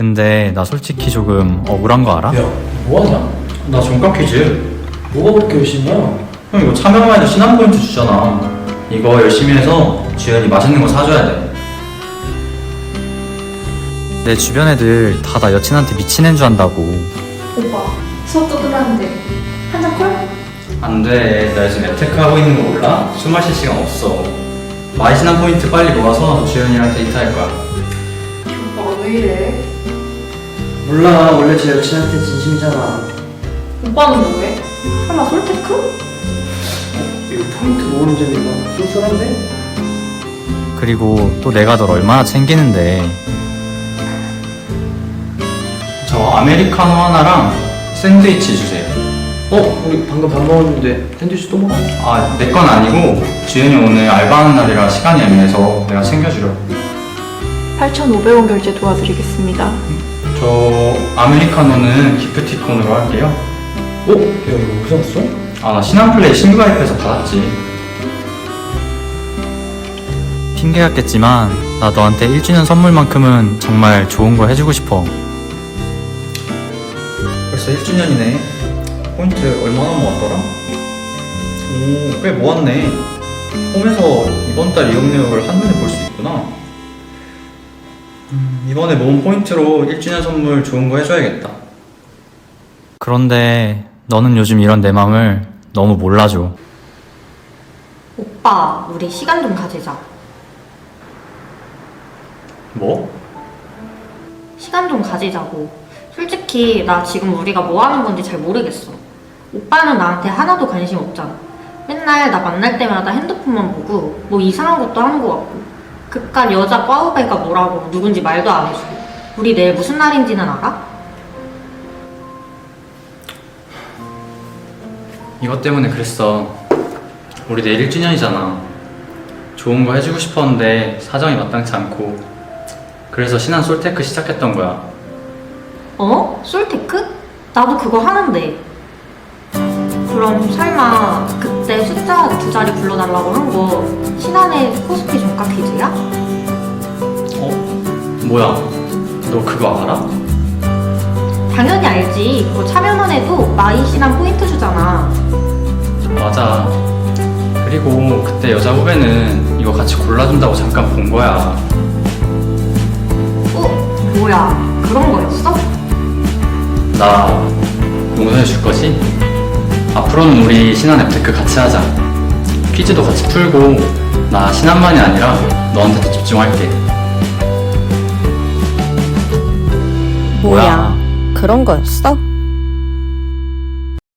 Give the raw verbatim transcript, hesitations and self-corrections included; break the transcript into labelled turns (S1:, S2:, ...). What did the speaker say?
S1: 근데 나 솔직히 조금 억울한 거 알아?
S2: 야, 뭐하냐?
S1: 나 종가 퀴즈.
S2: 뭐가 그렇게 열심히야?
S1: 형 이거 참여만 해도 신한 포인트 주잖아. 이거 열심히 해서 주연이 맛있는 거 사줘야 돼. 내 주변 애들 다 나 여친한테 미친 애인 줄 안다고.
S3: 오빠 수업도 끝났는데 한잔 콜?
S1: 안 돼. 나 요즘 앱테크 하고 있는 거 몰라? 술 마실 시간 없어. 마이신한 포인트 빨리 모아서 주연이랑 데이트할 거야.
S3: 오빠가 왜 이래?
S2: 몰라, 원래 제 여친한테 진심이잖아.
S3: 오빠는 뭐해? 설마 솔테크?
S2: 이거 포인트 모으는 재미가 쏠쏠한데?
S1: 그리고 또 내가 널 얼마나 챙기는데. 저 아메리카노 하나랑 샌드위치 주세요.
S2: 어? 우리 방금 밥 먹었는데 샌드위치 또 먹어?
S1: 아, 내 건 아니고 주연이 오늘 알바하는 날이라 시간이 애매해서 내가 챙겨주려고.
S3: 팔천오백 원 결제 도와드리겠습니다.
S1: 저 아메리카노는 기프티콘으로 할게요.
S2: 어? 야, 이거 어디서 왔어?
S1: 아, 나 신한플레이 신규 가입해서 받았지. 핑계 같겠지만 나 너한테 일 주년 선물만큼은 정말 좋은 거 해주고 싶어. 벌써 일 주년이네. 포인트 얼마나 모았더라? 오, 꽤 모았네. 홈에서 이번 달 이용 내역을 한눈에 볼 수 있구나. 음, 이번에 모은 포인트로 일 주년 선물 좋은 거 해줘야겠다. 그런데 너는 요즘 이런 내 맘을 너무 몰라줘.
S4: 오빠, 우리 시간 좀 가지자.
S1: 뭐?
S4: 시간 좀 가지자고. 솔직히 나 지금 우리가 뭐 하는 건지 잘 모르겠어. 오빠는 나한테 하나도 관심 없잖아. 맨날 나 만날 때마다 핸드폰만 보고 뭐 이상한 것도 하는 것 같고. 그깟 여자 꽈우배가 뭐라고 누군지 말도 안 해주고. 우리 내일 무슨 날인지는 알아?
S1: 이것 때문에 그랬어. 우리 내일 일 주년이잖아. 좋은 거 해주고 싶었는데 사정이 마땅치 않고. 그래서 신한 솔테크 시작했던 거야.
S4: 어? 솔테크? 나도 그거 하는데. 그럼 설마 그때 숫자 두 자리 불러달라고 한 거 신한의 코스피 종가 퀴즈야?
S1: 어? 뭐야? 너 그거 알아?
S4: 당연히 알지. 그거 참여만 해도 마이 신한 포인트 주잖아.
S1: 맞아. 그리고 그때 여자 후배는 이거 같이 골라준다고 잠깐 본 거야.
S4: 어? 뭐야? 그런 거였어?
S1: 나 용서해 줄 거지? 앞으로는 우리 신한 앱테크 같이 하자. 퀴즈도 같이 풀고 나 신한만이 아니라 너한테도 집중할게.
S5: 뭐야, 그런 거였어?